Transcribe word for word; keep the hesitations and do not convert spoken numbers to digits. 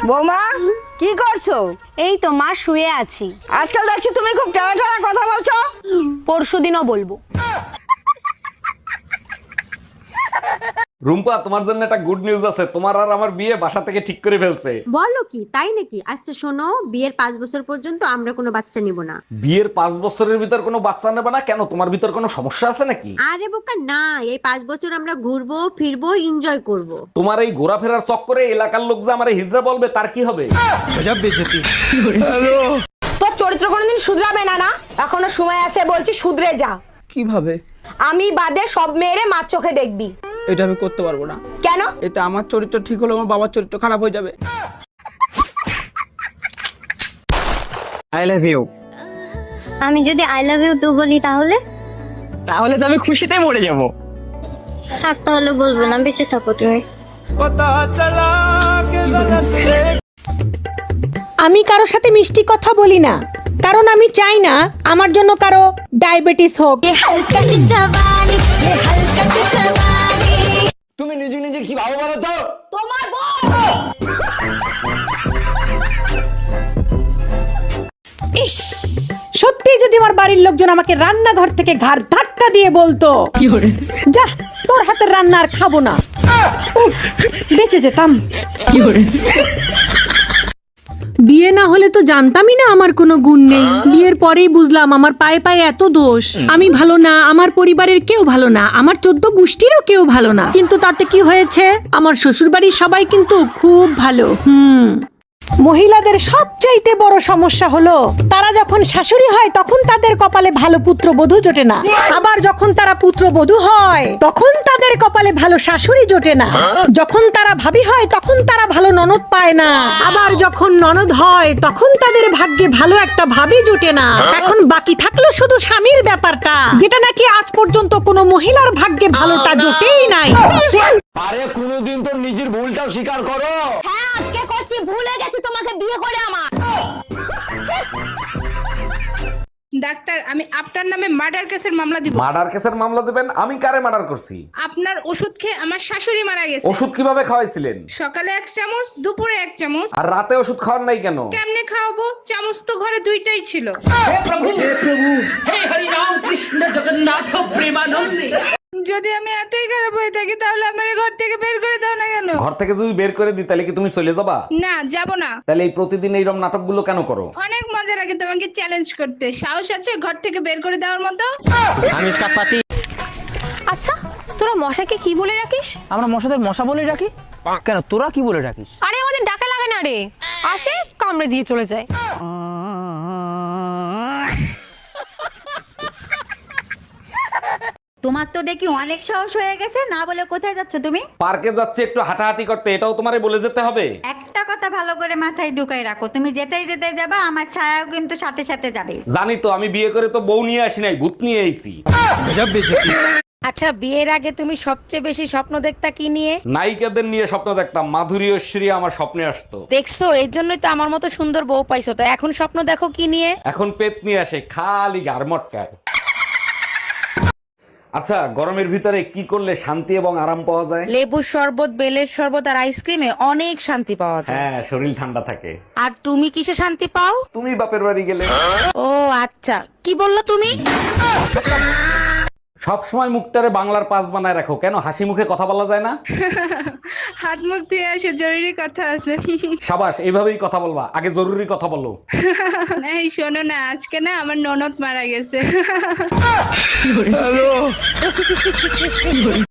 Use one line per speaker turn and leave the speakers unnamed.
বৌমা কি করছো?
এই তো মা শুয়ে আছি।
আজকাল দেখছি তুমি খুব টানা টানা কথা বলছো।
পরশুদিনও বলবো।
রুম্পা, তোমার জন্য একটা গুড নিউজ আছে। তোমার আর আমার বিয়ে বাসা থেকে ঠিক করে ফেলছে।
বলো কি, তাই নাকি? আচ্ছা শোনো, বিয়ের পাঁচ বছর পর্যন্ত আমরা কোনো বাচ্চা নিব না।
বিয়ের পাঁচ বছরের ভিতর কোনো বাচ্চা নেবে না কেন? তোমার ভিতর কোনো সমস্যা আছে নাকি?
আরে বোকা না, এই পাঁচ বছর আমরা ঘুরবো ফিরবো এনজয় করব।
তোমার এই ঘোরাফেরার চক্করে এলাকার লোক যে আমারে হিজড়া বলবে তার কি হবে?
তোর চরিত্র কোনোদিন শুধরাবে না না? এখনো সময় আছে, বলছি শুধরে যা।
কিভাবে?
আমি বাদে সব মেয়েরে মার চোখে দেখবি।
এটা আমি করতে পারবো না।
কেন?
এটা আমার চরিত্র ঠিক হলে আমার বাবার চরিত্র খারাপ হয়ে যাবে। I love you.
আমি যদি আই লাভ ইউ টু বলি তাহলে?
তাহলে তো আমি খুশিতে মরে যাব।
থাক তাহলে বলবো না, বেঁচে থাকো তুমি।
আমি কারোর সাথে মিষ্টি কথা বলি না, কারণ আমি চাই না আমার জন্য কারো ডায়াবেটিস হোক।
তুমি নিজে নিজে কি ভাবো বলো তো?
তোমার বউ
ইস, সত্যি যদি আমার বাড়ির লোকজন আমাকে রান্নাঘর থেকে ঘাড় ধাক্কা দিয়ে বলতো, যা তোর হাতের রান্না আর খাবো না, উফ, বেঁচে যেতাম। বিয়ে না হলে তো জানতামই না আমার কোনো গুণ নেই। বিয়ের পরেই বুঝলাম আমার পায়ে পায়ে এত দোষ। আমি ভালো না, আমার পরিবারের কেউ ভালো না, আমার চোদ্দ গোষ্ঠীরও কেউ ভালো না। কিন্তু তাতে কি হয়েছে, আমার শ্বশুর বাড়ির সবাই কিন্তু খুব ভালো। হুম মহিলাদের সবচাইতে বড় সমস্যা হলো তারা যখন শাশুড়ি হয় তখন তাদের কপালে ভালো পুত্রবধূ জোটে না, আবার যখন তারা পুত্রবধূ হয় তখন তাদের কপালে ভালো শাশুড়ি জোটে না, যখন তারা ভাবি হয় তখন তারা ভালো ননদ পায় না, আবার যখন ননদ হয় তখন তাদের ভাগ্যে ভালো একটা ভাবি জোটে না। এখন বাকি থাকলো শুধু স্বামীর ব্যাপারটা, যেটা নাকি আজ পর্যন্ত কোনো মহিলার ভাগ্যে ভালোটা জোটেই নাই।
আরে কোনোদিন তো নিজের ভুলটাও স্বীকার করো।
হ্যাঁ আজকে করছি, ভুলে গেছি তোমাকে বিয়ে করে আমার।
ডাক্তার, আমি আপনার নামে মার্ডার কেসের মামলা দিব।
মার্ডার কেসের মামলা দেবেন? আমি কারে মার্ডার করছি?
আপনার ওষুধ খেয়ে আমার শাশুড়ি মারা গেছে।
ওষুধ কিভাবে খাওয়াইছিলেন?
সকালে এক চামচ, দুপুরে এক চামচ।
আর রাতে ওষুধ খাওয়ার নাই কেন?
কেমনে খাওয়াবো? চামচ তো ঘরে দুইটাই ছিল। যদি আমি এতই খারাপ হয়ে থাকি তাহলে আমার ঘর থেকে বের করে দাও না কেন?
ঘর থেকে যদি বের করে দিই তাহলে কি তুমি চলে যাবা?
না, যাব না।
তাহলে এই প্রতিদিন এইরকম নাটকগুলো কেন করো?
অনেক মজা লাগে তোমাকে চ্যালেঞ্জ করতে। সাহস আছে ঘর থেকে বের করে দেওয়ার মতো?
আমি इसका पति।
আচ্ছা, তোরা মশাকে কি বলে রাখিস?
আমরা মশাদের মশা বলে রাখি। কেন, তোরা কি বলে রাখিস?
আরে আমাদের ডাকা লাগে না রে, আসে কামড়ে দিয়ে চলে যায়।
তোমার তো দেখি অনেক সাহস হয়ে গেছে, না বলে কোথায় যাচ্ছ তুমি?
পার্কে যাচ্ছে একটু হাঁটাহাঁটি করতে, এটাও তোমারে বলে যেতে হবে?
একটা কথা ভালো করে মাথায় ঢুকাই রাখো, তুমি যেতেই যেতে যাবা, আমার ছায়াও কিন্তু সাথে সাথে যাবে।
জানি তো, আমি বিয়ে করে তো বউ নিয়ে আসি নাই, ভূত নিয়ে আইছি।
আচ্ছা, বিয়ের আগে তুমি সবচেয়ে বেশি স্বপ্ন দেখতা কি নিয়ে?
নায়িকাদের নিয়ে স্বপ্ন দেখতাম, মাধুরী ঐশ্বরী আমার স্বপ্নে আসতো।
দেখছো, এর জন্যই তো আমার মতো সুন্দর বউ পাইছো। তো এখন স্বপ্ন দেখো কি নিয়ে?
এখন পেট নিয়ে আসে, খালি গারমটকায়। আচ্ছা, গরমের ভিতরে কি করলে শান্তি এবং আরাম পাওয়া যায়?
লেবুর শরবত, বেলের শরবত আর আইসক্রিমে অনেক শান্তি পাওয়া যায়।
হ্যাঁ, শরীর ঠান্ডা থাকে।
আর তুমি কিসে শান্তি পাও?
তুমি বাপের বাড়ি গেলে।
ও আচ্ছা, কি বললো তুমি?
সবসময় মুখটারে বাংলার পাস বানায় রাখো কেন? হাসি মুখে কথা বলা যায় না?
হাত মুখ ধুয়ে আসে, জরুরি কথা আছে।
সাবাস, এইভাবেই কথা বলবা, আগে জরুরি কথা বলো।
এই শোনো না, আজকে না আমার ননদ মারা গেছে।